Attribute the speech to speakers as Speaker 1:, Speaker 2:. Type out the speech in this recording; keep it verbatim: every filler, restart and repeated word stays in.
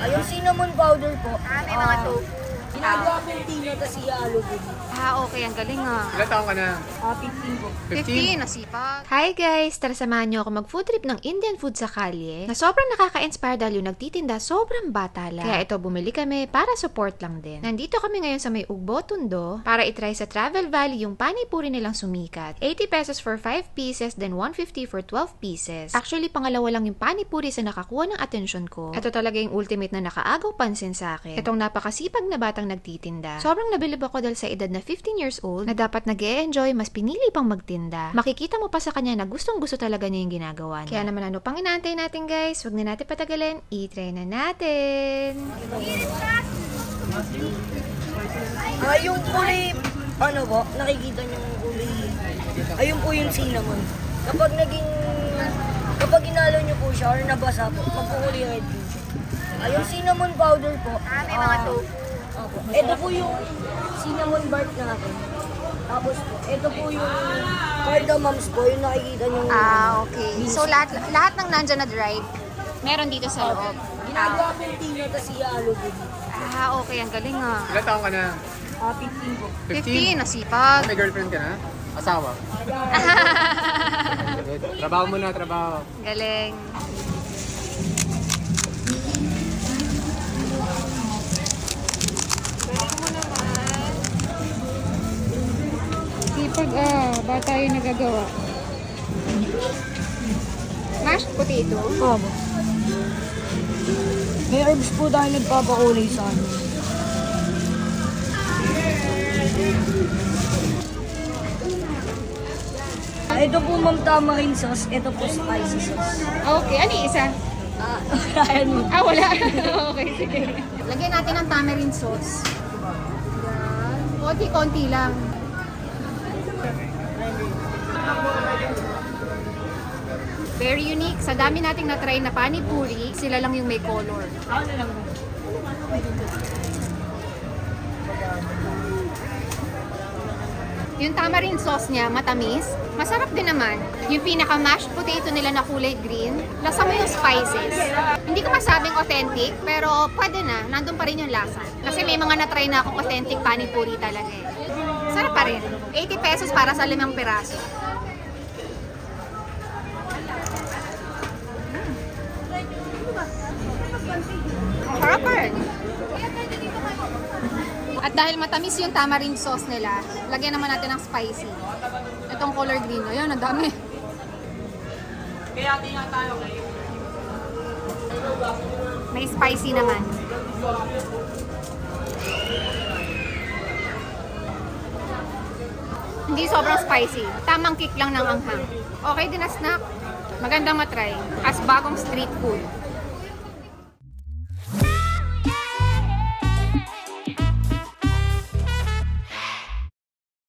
Speaker 1: Ah, yung cinnamon powder po.
Speaker 2: Ah, may mga
Speaker 1: ah,
Speaker 2: tofu.
Speaker 1: Ginagawa pong tino, tapos ihalo din.
Speaker 2: Ah, okay. Ang galing ah.
Speaker 3: Ilan taong ka na?
Speaker 1: Ah, fifteen po.
Speaker 2: fifteen, nasipag.
Speaker 4: Hi guys! Tara samahan niyo ako mag-food trip ng Indian food sa kalye na sobrang nakaka-inspire dahil yung nagtitinda sobrang bata lang. Kaya ito, bumili kami para support lang din. Nandito kami ngayon sa may Ugbo, Tondo para itry sa Travel Valley yung panipuri nilang sumikat. eighty pesos for five pieces, then one fifty for twelve pieces. Actually, pangalawa lang yung panipuri sa nakakuha ng atensyon ko. Ito talaga yung ultimate na nakaagaw pansin sa akin. Itong napakasipag na batang nagtitinda. Sobrang nabilib ako dahil sa edad na fifteen years old na dapat nag-e-enjoy, mas pinili pang magtinda. Makikita mo pa sa kanya na gustong gusto talaga niya yung ginagawa niya. Kaya naman ano pang inaantay natin guys, wag na natin patagalin, i-try na natin!
Speaker 1: Ah, yung kulay, ano po, nakikita niyo yung kulay, ayun po yung cinnamon. Kapag naging, kapag inalo niyo po siya or nabasa po, magkukulay red po siya. Ah, yung cinnamon powder po.
Speaker 2: Ah, may mga
Speaker 1: ah,
Speaker 2: tofu.
Speaker 1: Opo. Ito po yung cinnamon bark natin. Tapos po, ito po yung cardamoms po, yung nakikita niyo.
Speaker 2: Ah, okay. So, lahat, lahat ng nandyan na dried, meron dito sa loob.
Speaker 1: Ginagawa pong tino, tapos ihalo din.
Speaker 2: Ah, okay. Ang galing ah.
Speaker 3: Ilan taong ka na?
Speaker 1: Ah, fifteen po.
Speaker 2: fifteen, nasipag.
Speaker 3: May girlfriend ka na? Asawa? Trabaho mo na, trabaho.
Speaker 2: Galing.
Speaker 4: Sipag ah, bata yung nagagawa.
Speaker 2: Mashed potato.
Speaker 1: Opo. May herbs po tayo nagpapakulay sa ano. Ah, ito po ma'am tamarind sauce, ito po spicy sauce.
Speaker 4: Okay, ano yung isa?
Speaker 1: Ah, ayan mo.
Speaker 4: Ah, wala. Okay, sige.
Speaker 2: Lagyan natin ng tamarind sauce.
Speaker 4: Konti-konti lang.
Speaker 2: Very unique. Sa dami nating na-try na panipuri, sila lang yung may color. Yung tamarind sauce niya, matamis. Masarap din naman. Yung pinaka-mashed potato nila na kulay green, lasa mo yung spices. Hindi ko masabing authentic, pero pwede na. Nandun pa rin yung lasa. Kasi may mga na-try na akong authentic panipuri talaga eh. Sarap pa rin. eighty pesos para sa limang piraso. Sarap pa rin. At dahil matamis yung tamarind sauce nila, lagyan naman natin ng spicy. Itong color green. Ayun, ang dami. May spicy naman. Hindi sobrang spicy. Tamang kick lang ng anghang. Okay din na snack. Magandang matry. As bagong street food.